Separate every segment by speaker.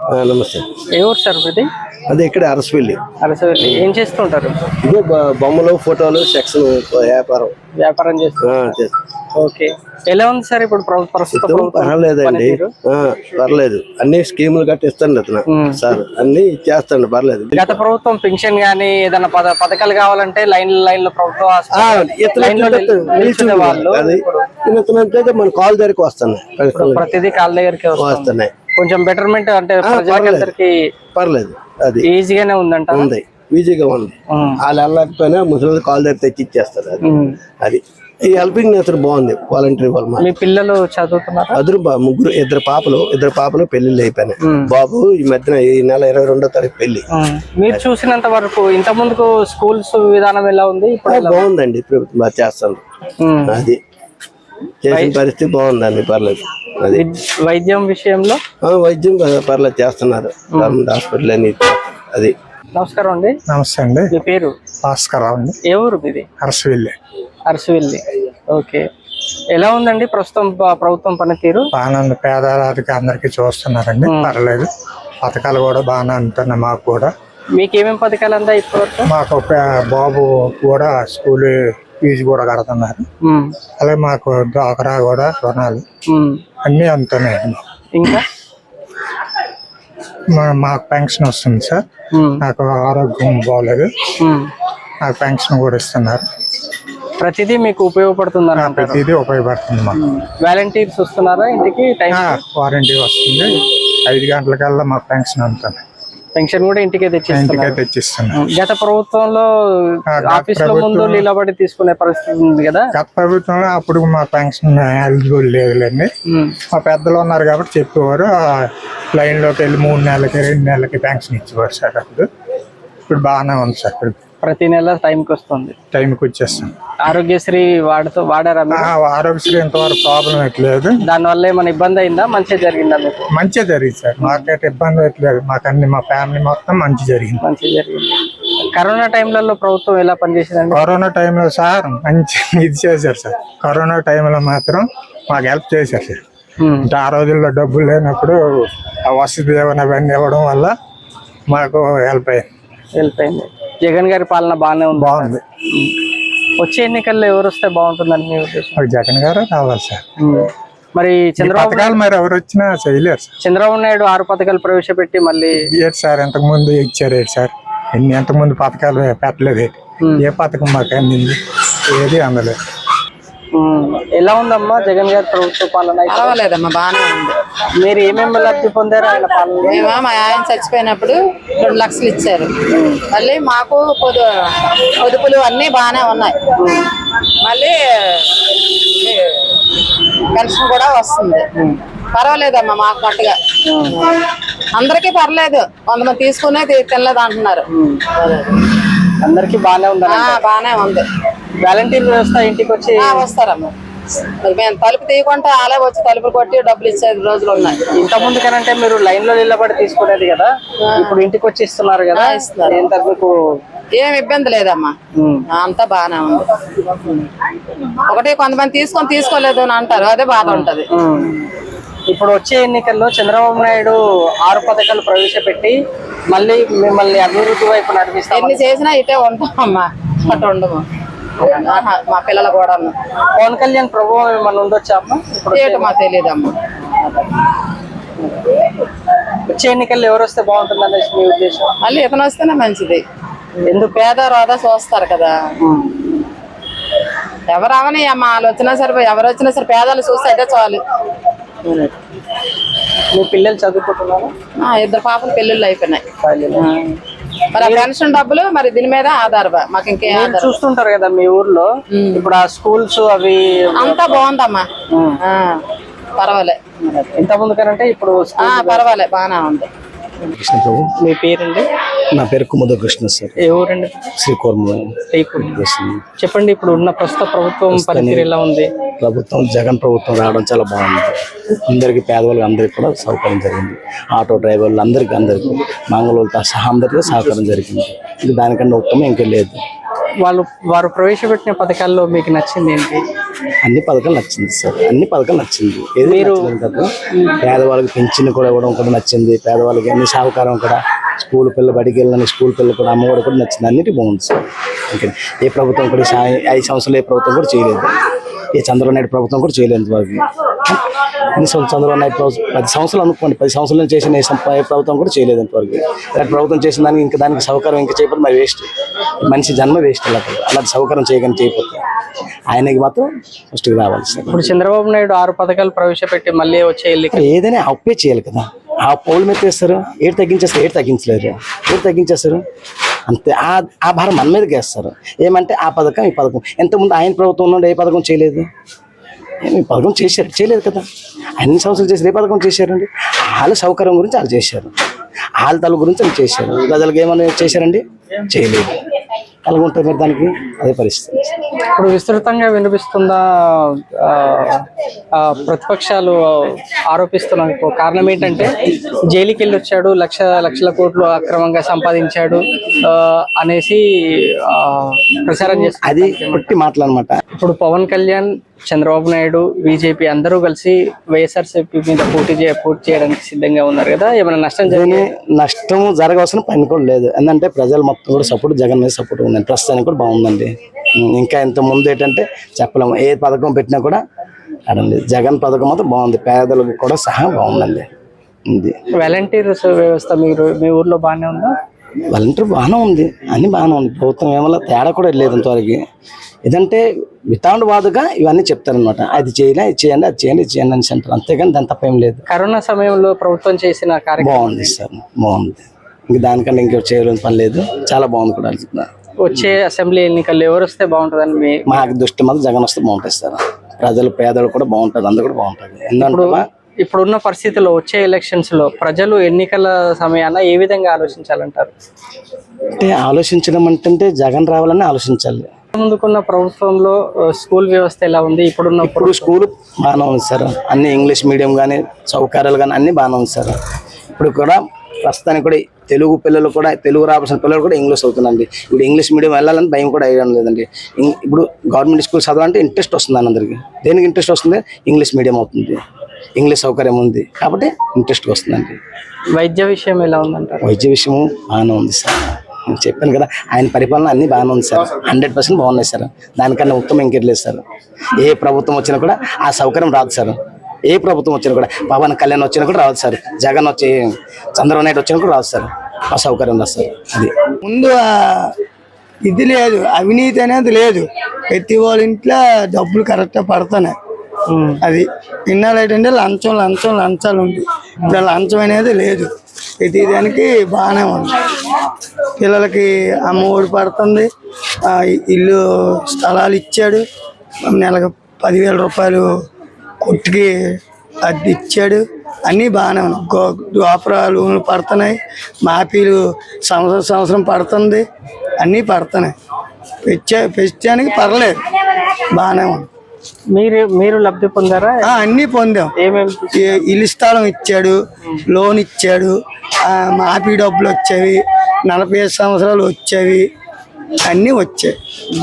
Speaker 1: నమస్తే.
Speaker 2: ఏ ఊరు సార్ మీది?
Speaker 1: అదే ఇక్కడ అరసవెల్లి.
Speaker 2: అరసవెల్లి. ఏం చేస్తుంటారు?
Speaker 1: ఇదే బొమ్మలు, ఫోటోలు, సెక్షన్
Speaker 2: వ్యాపారం చేస్తారు. ఓకే. ఎలా ఉంది సార్ ఇప్పుడు ప్రస్తుతం?
Speaker 1: పర్వాలేదండి, పర్లేదు. అన్ని స్కీములు గట్టి ఇస్తాండి అతను సార్, అన్ని చేస్తాండి, పర్లేదు.
Speaker 2: గత ప్రభుత్వం పెన్షన్ గానీ ఏదైనా పథకాలు కావాలంటే లైన్ లో ప్రభుత్వం
Speaker 1: వాళ్ళు మన కాల్ దగ్గరికి వస్తున్నాయి,
Speaker 2: ప్రతిదీ కాళ్ళ దగ్గరికి వస్తున్నాయి. కొంచెం బెటర్మెంట్ అంటే
Speaker 1: పర్లేదు, అది
Speaker 2: ఈజీగానే ఉందంట.
Speaker 1: ఉంది, ఈజీగా ఉంది. వాళ్ళు వెళ్ళకపోయినా ముసలి కాల్ దగ్గర తెచ్చి ఇచ్చేస్తారు. అది ఈ హెల్పింగ్ నేచర్ బాగుంది. వాలంటీర్ వాళ్ళు.
Speaker 2: మీ పిల్లలు చదువుతున్నారు?
Speaker 1: అదురు ముగ్గురు, ఇద్దరు పాపలు పెళ్లిళ్ళు అయిపోయినాయి. బాబు ఈ మధ్యన ఈ నెల 22వ తారీఖు పెళ్లి.
Speaker 2: మీరు చూసినంత వరకు ఇంత ముందుకు స్కూల్స్ విధానం ఎలా ఉంది?
Speaker 1: బాగుందండి, ప్రభుత్వం బాగా చేస్తాను. అది చేసిన పరిస్థితి బాగుందండి, పర్లేదు. అది
Speaker 2: వైద్యం విషయంలో
Speaker 1: వైద్యం పర్లేదు చేస్తున్నారు, గవర్నమెంట్ హాస్పిటల్ అని. అది.
Speaker 2: నమస్కారం అండి.
Speaker 3: నమస్తే అండి.
Speaker 2: మీ పేరు?
Speaker 3: భాస్కర్ అండి.
Speaker 2: ఏ ఊరు మీది?
Speaker 3: అరసవెల్లి.
Speaker 2: అరసవెల్లి. ఓకే. ఎలా ఉందండి ప్రస్తుతం ప్రభుత్వం పనితీరు?
Speaker 3: బాగానే ఉంది. పేదవారికి అందరికి చూస్తున్నారండి, పర్లేదు. పథకాలు కూడా బాగానే అందుతున్నాయి మాకు కూడా.
Speaker 2: మీకేమేమి పథకాలు అందా ఇప్పటివరకు?
Speaker 3: మాకు బాబు కూడా స్కూల్ ఫీజు కూడా కడుతున్నారు. అలాగే మాకు డ్వాక్రా కూడా రుణాలు అన్ని అందుతున్నాయండి.
Speaker 2: ఇంకా
Speaker 3: మాకు పెన్షన్ వస్తుంది సార్. నాకు ఆరోగ్యం బాగోలేదు, నాకు పెన్షన్ కూడా ఇస్తున్నారు.
Speaker 2: ప్రతిదీ మీకు ఉపయోగపడుతుందా?
Speaker 3: ప్రతిదీ ఉపయోగపడుతుంది మాకు.
Speaker 2: వాలంటీర్స్ వస్తున్నారా ఇంటికి?
Speaker 3: వారంటీ వస్తుంది. 5 గంటలకల్లా మాకు పెన్షన్ అందుతుంది.
Speaker 2: పెన్షన్ కూడా ఇంటికే
Speaker 3: తెచ్చిస్తున్నారు.
Speaker 2: గత ప్రభుత్వంలో ఆఫీస్ లో ముందు నిలబడి తీసుకునే పరిస్థితి ఉంది కదా?
Speaker 3: గత ప్రభుత్వంలో అప్పుడు మా పెన్షన్ ఎలిజిబుల్ లేదులేండి. మా పెద్దలు ఉన్నారు కాబట్టి చెప్పేవారు. లైన్ లోకి వెళ్ళి 3 నెలలకి 2 నెలలకి పెన్షన్ ఇచ్చేవారు సార్. అప్పుడు ఇప్పుడు బాగానే ఉంది సార్.
Speaker 2: ప్రతి నెల టైంకి వస్తుంది,
Speaker 3: టైంకి వచ్చేస్తుంది.
Speaker 2: ఆరోగ్యశ్రీ వాడారా?
Speaker 3: ఆరోగ్యశ్రీ ఇంతవరకు ప్రాబ్లం ఎట్లేదు.
Speaker 2: దానివల్ల ఏమైనా ఇబ్బంది అయిందా? మంచిగా జరిగిందా మీకు?
Speaker 3: మంచిగా జరిగింది సార్. మాకైతే ఇబ్బంది ఎట్లేదు. మాకు అన్ని మా ఫ్యామిలీ మొత్తం మంచిగా జరిగింది.
Speaker 2: కరోనా టైంలలో ప్రభుత్వం ఎలా పనిచేసిందండి?
Speaker 3: కరోనా టైంలో సార్ మంచి ఇది చేశారు సార్. కరోనా టైంలో మాత్రం మాకు హెల్ప్ చేశారు సార్. అంటే ఆ రోజుల్లో డబ్బులు లేనప్పుడు ఆ వసతి దీవెన అవన్నీ ఇవ్వడం వల్ల మాకు హెల్ప్ అయింది.
Speaker 2: జగన్ గారి పాలన
Speaker 3: బాగుంది.
Speaker 2: వచ్చే ఎన్నికల్లో ఎవరు వస్తే బాగుంటుందని మీ ఉద్దేశం?
Speaker 3: జగన్ గారు రావాలి సార్.
Speaker 2: మరి చంద్రబాబు
Speaker 3: మరి ఎవరు వచ్చినా చేయలేరు సార్.
Speaker 2: చంద్రబాబు నాయుడు 6 పథకాలు ప్రవేశపెట్టి మళ్ళీ
Speaker 3: సార్ ఇంతకు ముందు ఇచ్చారు సార్. ఎంతకు ముందు పథకాలు పెట్టలేదు. ఏ పథకం మాకు అందింది? ఏది అందలేదు.
Speaker 2: ఎలా ఉందమ్మా జగన్ గారి ప్రభుత్వ పాలన?
Speaker 4: పర్వాలేదమ్మా, బాగానే ఉంది.
Speaker 2: మీరు ఏమేమి లబ్ధి పొందారు ఆయన పాలన?
Speaker 4: మేము మా ఆయన చచ్చిపోయినప్పుడు 2 లక్షలు ఇచ్చారు. మళ్ళీ మాకు పొదుపులు అన్నీ బాగానే ఉన్నాయి. మళ్ళీ పెన్షన్ కూడా వస్తుంది. పర్వాలేదమ్మా మాకు మట్టుగా. అందరికీ పర్లేదు. కొంతమంది తీసుకునే తినలేదు అంటున్నారు.
Speaker 2: అందరికి బాగానే ఉంది.
Speaker 4: బాగానే ఉంది.
Speaker 2: వాలంటీర్ వ్యవస్థ ఇంటికి వచ్చి
Speaker 4: వస్తారమ్మా. మరి మేము తలుపు తీయకుండా అలా వచ్చి తలుపులు కొట్టి డబ్బులు ఇచ్చే రోజులు ఉన్నాయి.
Speaker 2: ఇంత ముందు కనంటే మీరు లైన్ లో నిలబడి తీసుకునేది కదా, ఇప్పుడు ఇంటికి వచ్చి ఇస్తున్నారు కదా. మీకు
Speaker 4: ఏం ఇబ్బంది లేదమ్మా, అంతా బాగానే ఉంది. ఒకటి కొంతమంది తీసుకోలేదు అని అంటారు, అదే బాధ ఉంటది.
Speaker 2: ఇప్పుడు వచ్చే ఎన్నికల్లో చంద్రబాబు నాయుడు 6 పథకాలు ప్రవేశపెట్టి మళ్ళీ మిమ్మల్ని అభివృద్ధి వైపు నడిపిస్తారు.
Speaker 4: ఎన్ని చేసినా ఇటే ఉంటామమ్మా, అటు ఉండము. మా పిల్లలు కూడా.
Speaker 2: పవన్ కళ్యాణ్ ప్రభావం ఏమన్నా ఉండొచ్చా?
Speaker 4: మాకు తెలియదమ్మా.
Speaker 2: వచ్చే ఎన్నికల్లో ఎవరు వస్తే బాగుంటుంది అనేసి మీ ఉద్దేశం?
Speaker 4: మళ్ళీ ఇతను వస్తేనే మంచిది. ఎందుకు పేద రోదా చూస్తారు కదా. ఎవరు అవని అమ్మా, వాళ్ళు వచ్చినా సరే ఎవరు వచ్చినా సరే పేదలు చూస్తే అదే చాలు.
Speaker 2: మీ పిల్లలు చదువుకుంటున్నారా?
Speaker 4: 2 పాపలు పెళ్ళిళ్ళు అయిపోయినాయి. మరి ఆ పెన్షన్ డబ్బులు మరి దీని మీద ఆధారపా. మాకు ఇంకేం
Speaker 2: చూస్తుంటారు కదా మీ ఊర్లో, ఇప్పుడు ఆ స్కూల్స్ అవి
Speaker 4: అంతా బాగుందమ్మా. పర్వాలే.
Speaker 2: ఇంత ముందు కనంటే ఇప్పుడు
Speaker 4: పర్వాలే, బాగానే ఉంది.
Speaker 2: మీ పేరండి?
Speaker 5: నా పేరు కుముద కృష్ణ సార్.
Speaker 2: ఏ ఊరండి?
Speaker 5: శ్రీకూర్మ.
Speaker 2: చెప్పండి, ఇప్పుడు ఉన్న ప్రస్తుత ప్రభుత్వం పనితీరు ఎలా ఉంది?
Speaker 5: ప్రభుత్వం జగన్ ప్రభుత్వం రావడం చాలా బాగుంది. అందరికి పేదవాళ్ళకి అందరికి కూడా సౌకర్యం జరిగింది. ఆటో డ్రైవర్లు అందరికి మంగళూరుతో సహా అందరికీ సహకారం జరిగింది. ఇది దానికన్నా ఉత్తమం ఇంకా లేదు.
Speaker 2: వారు ప్రవేశపెట్టిన పథకాల్లో మీకు నచ్చింది ఏంటి?
Speaker 5: అన్ని పథకాలు నచ్చింది సార్, అన్ని పథకాలు నచ్చింది. ఏది నచ్చలేదు కదా, పేదవాళ్ళకి పెన్షన్ కూడా ఇవ్వడం కూడా నచ్చింది, పేదవాళ్ళకి అన్ని సహకారం కూడా, స్కూల్ పిల్లలు బడికి వెళ్ళిన స్కూల్ పిల్లలు కూడా అమ్మఒడి కూడా నచ్చింది, అన్నిటి బాగుంది సార్. ఓకే, ఏ ప్రభుత్వం కూడా 5 సంవత్సరాలు ఏ ప్రభుత్వం కూడా చేయలేదు, ఏ చంద్రబాబు నాయుడు ప్రభుత్వం కూడా చేయలేదు వరకు. ఎన్ని చంద్రబాబు నాయుడు 10 సంవత్సరాలు అనుకోండి, 10 సంవత్సరాలు చేసిన ఏ ప్రభుత్వం కూడా చేయలేదు అంతవరకు. అలాంటి ప్రభుత్వం చేసిన దానికి ఇంకా దానికి సౌకర్యం ఇంకా చేయకపోతే మరి వేస్ట్, మనిషి జన్మ వేస్ట్. అలాంటి సౌకర్యం చేయకపోతే ఆయనకి మాత్రం ఫస్ట్కి రావాలి సార్.
Speaker 2: ఇప్పుడు చంద్రబాబు నాయుడు 6 పథకాలు ప్రవేశపెట్టి మళ్ళీ వచ్చే
Speaker 5: ఏదైనా అప్పే చేయాలి కదా, ఆ పౌలు మీద వేస్తారు, ఏడు తగ్గించలేరు, ఏడు తగ్గించేస్తారు అంతే. ఆ భారం మన మీదకి వేస్తారు. ఏమంటే ఆ పథకం ఈ పథకం, ఎంతమంది ఆయన ప్రభుత్వం నుండి ఏ పథకం చేయలేదు, ఈ పథకం చేయలేదు కదా, అన్ని సంవత్సరాలు చేసి ఏ పథకం చేశారండి? వాళ్ళ సౌకర్యం గురించి వాళ్ళు చేశారు, వాళ్ళ తల గురించి వాళ్ళు చేశారు, ప్రజలకు ఏమైనా చేశారండి? చేయలేదు. అలాగుంటుంది మరి దానికి అదే పరిస్థితి.
Speaker 2: ఇప్పుడు విస్తృతంగా వినిపిస్తుందా ప్రతిపక్షాలు ఆరోపిస్తున్న కారణం ఏంటంటే జైలుకి వెళ్ళి వచ్చాడు, లక్షల కోట్లు అక్రమంగా సంపాదించాడు అనేసి ప్రచారం చేస్తారు.
Speaker 5: అది పుట్టి మాటలు అనమాట.
Speaker 2: ఇప్పుడు పవన్ కళ్యాణ్, చంద్రబాబు నాయుడు, బీజేపీ అందరూ కలిసి వైఎస్ఆర్సీపీ మీద పోటీ చేయడానికి సిద్ధంగా ఉన్నారు కదా, ఏమైనా
Speaker 5: నష్టం జరగవలసిన పని కూడా లేదు. ఎందుకంటే ప్రజలు మొత్తం కూడా సపోర్ట్ జగన్ మీద సపోర్ట్ ఉందండి, ప్రస్తుతానికి కూడా బాగుందండి. ఇంకా ఇంత ముందు ఏంటంటే చెప్పలేము, ఏ పథకం పెట్టినా కూడా అడండి. జగన్ పథకం మాత్రం బాగుంది, పేదలకు కూడా సహా బాగుందండి. ఇది
Speaker 2: వాలంటీర్స్ వ్యవస్థ మీ ఊర్లో బాగానే ఉందా?
Speaker 5: వాలంటీర్ బాగానే ఉంది, అన్ని బాగానే ఉంది. ప్రభుత్వం ఏమన్నా తేడా కూడా లేదు ఇంతవరకు. ఏదంటే వితౌట్ వాదుగా ఇవన్నీ చెప్తారనమాట, అది చేయాలి, ఇది చేయండి, అది చేయండి, ఇది చేయండి అని అంటారు, అంతేగాని దాని తప్ప ఏం లేదు.
Speaker 2: కరోనా సమయంలో ప్రభుత్వం చేసిన కార్యక్రమం
Speaker 5: బాగుంది సార్, బాగుంది. ఇంక దానికన్నా ఇంకో చేయాలని పని లేదు, చాలా బాగుంది కూడా.
Speaker 2: వచ్చే అసెంబ్లీ ఎన్నికల్లో ఎవరు వస్తే బాగుంటుందని
Speaker 5: మాకు దృష్టి మాత్రం జగన్ వస్తే బాగుంటుంది సార్. ప్రజలు పేదలు కూడా బాగుంటుంది, అందరూ కూడా బాగుంటుంది. ఎందుకంటే
Speaker 2: ఇప్పుడున్న పరిస్థితుల్లో వచ్చే ఎలక్షన్స్ లో ప్రజలు ఎన్నికల సమయాన ఏ విధంగా ఆలోచించాలంటారు?
Speaker 5: అంటే ఆలోచించడం అంటే జగన్ రావాలని ఆలోచించాలి.
Speaker 2: ముందుకున్న ప్రభుత్వంలో స్కూల్ వ్యవస్థ ఎలా ఉంది? ఇప్పుడు
Speaker 5: స్కూల్ బాగానే ఉంది సార్, అన్ని ఇంగ్లీష్ మీడియం కానీ సౌకర్యాలు కానీ అన్ని బాగానే ఉంది సార్. ఇప్పుడు కూడా ప్రస్తుతానికి కూడా తెలుగు పిల్లలు కూడా, తెలుగు రావాల్సిన పిల్లలు కూడా ఇంగ్లీష్ అవుతుందండి. ఇప్పుడు ఇంగ్లీష్ మీడియం వెళ్ళాలని భయం కూడా అయ్యడం లేదండి. ఇప్పుడు గవర్నమెంట్ స్కూల్ చదవాలంటే ఇంట్రెస్ట్ వస్తుంది అందరికి. దేనికి ఇంట్రెస్ట్ వస్తుంది? ఇంగ్లీష్ మీడియం అవుతుంది, ఇంగ్లీష్ సౌకర్యం ఉంది కాబట్టి ఇంట్రెస్ట్ వస్తుందండి.
Speaker 2: వైద్య విషయం ఎలా ఉందంటారు?
Speaker 5: వైద్య విషయం బాగానే ఉంది సార్, నేను చెప్పాను కదా, ఆయన పరిపాలన అన్ని బాగానే ఉంది సార్, 100% బాగున్నాయి సార్. దానికన్నా ఉత్తమం ఇంకెట్లేదు సార్. ఏ ప్రభుత్వం వచ్చినా కూడా ఆ సౌకర్యం రాదు సార్. ఏ ప్రభుత్వం వచ్చినా కూడా, పవన్ కళ్యాణ్ వచ్చినా కూడా రాదు సార్, జగన్ వచ్చి, చంద్రబాబు నాయుడు వచ్చినా కూడా రాదు సార్, ఆ సౌకర్యం రాదు సార్. అది
Speaker 6: ముందు ఇది లేదు, అవినీతి అనేది లేదు. ప్రతి వాళ్ళ ఇంట్లో డబ్బులు కరెక్ట్గా పడుతున్నాయి. అది ఇన్నాళ్ళు ఏంటంటే లంచాలు ఉంది. ఇప్పుడు లంచం అనేది లేదు, ప్రతి దానికి బాగానే ఉంది. పిల్లలకి అమ్మఒడి పడుతుంది, ఇల్లు స్థలాలు ఇచ్చాడు, నెలకు 10,000 రూపాయలు కొట్టుకి అది ఇచ్చాడు, అన్నీ బాగానే ఉన్నాయి. డ్వాక్రా లోన్లు పడుతున్నాయి, మాఫీలు సంవత్సరం పడుతుంది, అన్నీ పడుతున్నాయి. పెంచడానికి పర్లేదు, బాగానే ఉంది.
Speaker 2: మీరు లబ్ధి పొందారా?
Speaker 6: అన్నీ పొందాం. ఇల్లు స్థలం ఇచ్చాడు, లోన్ ఇచ్చాడు, మాఫీ డబ్బులు వచ్చేవి, 45 సంవత్సరాలు వచ్చేవి, అన్నీ వచ్చాయి.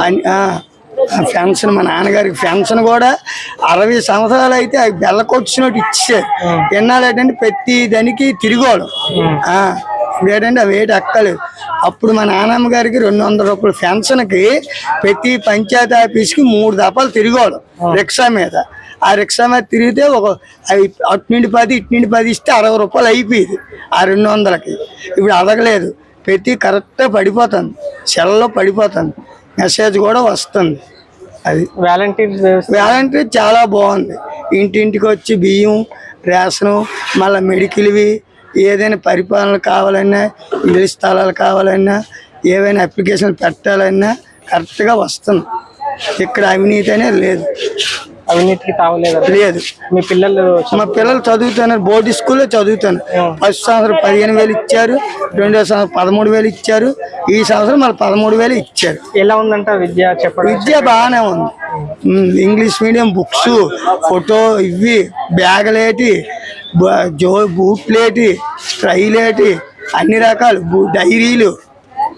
Speaker 6: పెన్షన్, మా నాన్నగారికి పెన్షన్ కూడా 60 సంవత్సరాలు అయితే బెల్ల కొట్టినట్టు ఇచ్చారు. ఎన్నాళ్ళు ఏంటంటే ప్రతి దానికి తిరిగోడు. ఇప్పుడు ఏంటంటే అవి ఏటి ఎక్కలేదు. అప్పుడు మా నాన్నమ్మ గారికి 200 రూపాయల పెన్షన్కి ప్రతి పంచాయతీ ఆఫీస్కి 3 దఫాలు తిరిగోడు రిక్షా మీద. ఆ రిక్షా మీద తిరిగితే అటు నుండి 10 ఇటు నుండి 10 ఇస్తే 60 రూపాయలు అయిపోయింది ఆ 200కి. ఇప్పుడు అడగలేదు, ప్రతి కరెక్ట్గా పడిపోతుంది, సెల్లో పడిపోతుంది, మెసేజ్ కూడా వస్తుంది. అది వాలంటీర్ చాలా బాగుంది. ఇంటింటికి వచ్చి బియ్యం, రేషను, మళ్ళీ మెడికల్వి, ఏదైనా పరిపాలన కావాలన్నా, ఇల్లు స్థలాలు కావాలన్నా, ఏవైనా అప్లికేషన్ పెట్టాలన్నా కరెక్ట్గా వస్తుంది. ఇక్కడ అవినీతి అనేది లేదు,
Speaker 2: అవినీతికి తావలేదు.
Speaker 6: మీ మా పిల్లలు చదువుతున్నారు, బోర్డు స్కూల్లో చదువుతాను. ఫస్ట్ సంవత్సరం 15,000 ఇచ్చారు, 2వ సంవత్సరం 13,000 ఇచ్చారు, ఈ సంవత్సరం మళ్ళీ 13,000 ఇచ్చారు.
Speaker 2: ఎలా ఉందంట విద్య?
Speaker 6: విద్య బాగానే ఉంది. ఇంగ్లీష్ మీడియం బుక్స్, ఫోటో, ఇవి బ్యాగులేటి, బూట్లేటి, స్ట్రైలేటి, అన్ని రకాలు డైరీలు,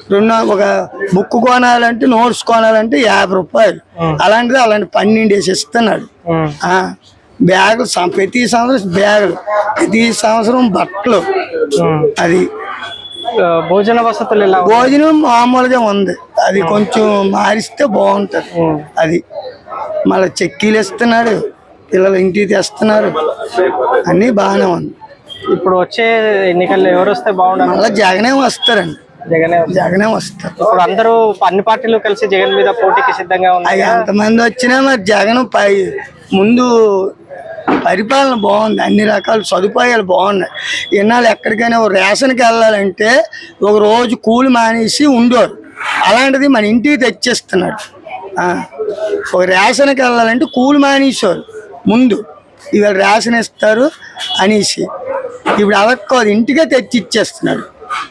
Speaker 6: ఒక బుక్ కొనాలంటే నోట్స్ కొనాలంటే 50 రూపాయలు. అలాంటిది అలాంటి 12 వేసి ఇస్తున్నాడు. బ్యాగులు ప్రతి సంవత్సరం బ్యాగులు, ప్రతి సంవత్సరం బట్టలు. అది
Speaker 2: భోజన వసతులు ఎలా?
Speaker 6: భోజనం మామూలుగా ఉంది, అది కొంచెం మారిస్తే బాగుంటది. అది మళ్ళీ చెక్కీలు ఇస్తున్నాడు, పిల్లలు ఇంటికి తెస్తున్నారు, అన్నీ బాగానే ఉంది.
Speaker 2: ఇప్పుడు వచ్చే ఎన్నికల్లో ఎవరు వస్తే బాగుండాలి?
Speaker 6: మళ్ళీ జగనే వస్తారండి, జగనే వస్తారు.
Speaker 2: ఇప్పుడు అందరూ అన్ని పార్టీలు కలిసి జగన్ మీద పోటీకి సిద్ధంగా ఉన్నాయి.
Speaker 6: ఎంతమంది వచ్చినా మరి జగన్ ముందు పరిపాలన బాగుంది, అన్ని రకాల సదుపాయాలు బాగున్నాయి. ఇన్నాళ్ళు ఎక్కడికైనా రేషన్కి వెళ్ళాలంటే ఒక రోజు కూలి మానేసి ఉండేవారు, అలాంటిది మన ఇంటికి తెచ్చేస్తున్నాడు. ఒక రేషన్కి వెళ్ళాలంటే కూలి మానేసేవారు ముందు, ఇవాళ రేషన్ ఇస్తారు అనేసి ఇప్పుడు అవక్కదు, ఇంటికే తెచ్చి ఇచ్చేస్తున్నాడు.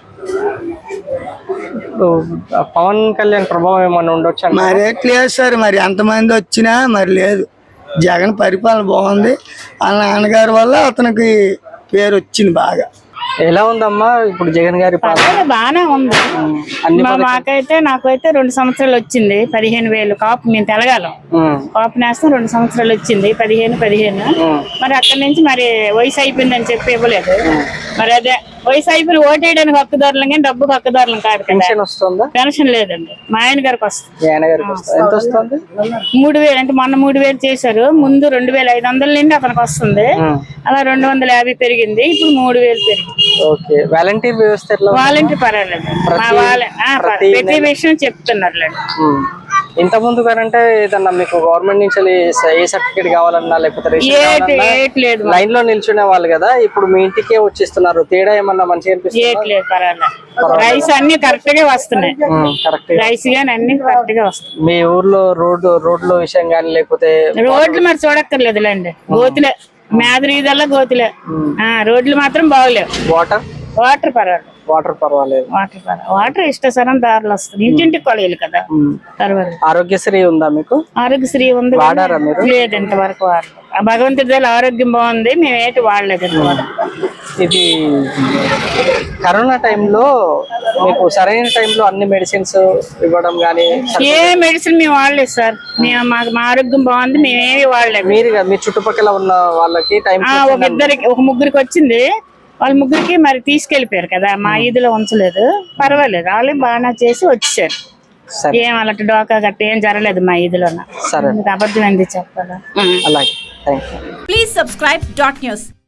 Speaker 2: పవన్ కళ్యాణ్ ప్రభావం ఏమన్నా ఉండొచ్చు?
Speaker 6: మరి ఎట్లేదు సార్, మరి ఎంతమంది వచ్చినా మరి లేదు. జగన్ పరిపాలన బాగుంది, వాళ్ళ నాన్నగారి వల్ల అతనికి పేరు వచ్చింది బాగా.
Speaker 2: ఎలా ఉందమ్మా ఇప్పుడు జగన్ గారి పాలన?
Speaker 4: బాగానే ఉంది. నాకైతే 2 సంవత్సరాలు వచ్చింది 15,000 కాపు. మేము తెలగాలం కాపు నేస్తాం, 2 సంవత్సరాలు వచ్చింది 15. మరి అక్కడి నుంచి మరి వయసు అయిపోయిందని చెప్పి ఇవ్వలేదు. మరి అదే వయసు అయిపోయిన ఓటేయడానికి హక్కుదారులం కానీ డబ్బుకు హక్కుదారులం కాదు కదా.
Speaker 2: పెన్షన్ వస్తుందా?
Speaker 4: పెన్షన్ లేదండి, మా ఆయన గారికి వస్తుంది.
Speaker 2: ఎంత వస్తుంది?
Speaker 4: 3,000 అంటే మొన్న 3,000 చేశారు, ముందు 2,500 నుండి అతనికి వస్తుంది. అలా 250 పెరిగింది, ఇప్పుడు 3,000 పెరిగింది.
Speaker 2: ఓకే. వాలంటీర్ వ్యవస్థ
Speaker 4: వాలంటీర్ పర్వాలేదు, ప్రతి విషయం చెప్తున్నారు.
Speaker 2: ఇంత ముందు కానంటే ఏదన్నా మీకు గవర్నమెంట్ నుంచి ఏ సర్టిఫికేట్ కావాలన్నా లేకపోతే లైన్ లో నిల్చునే వాళ్ళు కదా, ఇప్పుడు మీ ఇంటికే వచ్చిస్తున్నారు. తేడా ఏమన్నా మంచిగా అనిపిస్తుంది?
Speaker 4: రైస్ అన్ని కరెక్ట్ గా వస్తున్నాయి, రైస్ గానీ అన్ని కరెక్ట్ గా వస్తున్నాయి.
Speaker 2: మీ ఊర్లో రోడ్ల విషయం గానీ లేకపోతే
Speaker 4: రోడ్లు మరి చూడక్కర్లేదులేండి, గోతులే మేదరీదల్లా గోతులే. రోడ్లు మాత్రం బాగోలేవు. వాటర్ పర్వాలేదు, వాటర్ ఇష్టసరం దారులు వస్తుంది, ఇంటింటికి కొలయాలి కదా. పర్వాలేదు.
Speaker 2: ఆరోగ్యశ్రీ ఉందా మీకు?
Speaker 4: ఆరోగ్యశ్రీ ఉంది, లేదు ఇంతవరకు వాడలేదు. ఆ భగవంతుడి దగ్గర ఆరోగ్యం బాగుంది, మేము ఏంటి వాడలేదు ఇంతవరకు.
Speaker 2: ఇది కరోనా టైంలో మీకు సరైన టైంలో అన్ని మెడిసిన్స్ ఇవ్వడం కానీ?
Speaker 4: ఏ మెడిసిన్ మేము వాడలేదు సార్, మా ఆరోగ్యం బాగుంది, మేమేమి వాడలేదు.
Speaker 2: మీ చుట్టుపక్కల ఉన్న వాళ్ళకి
Speaker 4: ఒక ముగ్గురికి వచ్చింది, వాళ్ళ ముగ్గురికి మరి తీసుకెళ్లిపోయారు కదా, మా ఈదులో ఉంచలేదు. పర్వాలేదు, వాళ్ళు బాగా చేసి వచ్చేసారు. ఏం అలాంటి డోకా గట్ట ఏం జరగలేదు మా ఈదులో. అబద్ధం ఏంది చెప్పాలా?
Speaker 2: అలాగే.
Speaker 7: Please subscribe .news.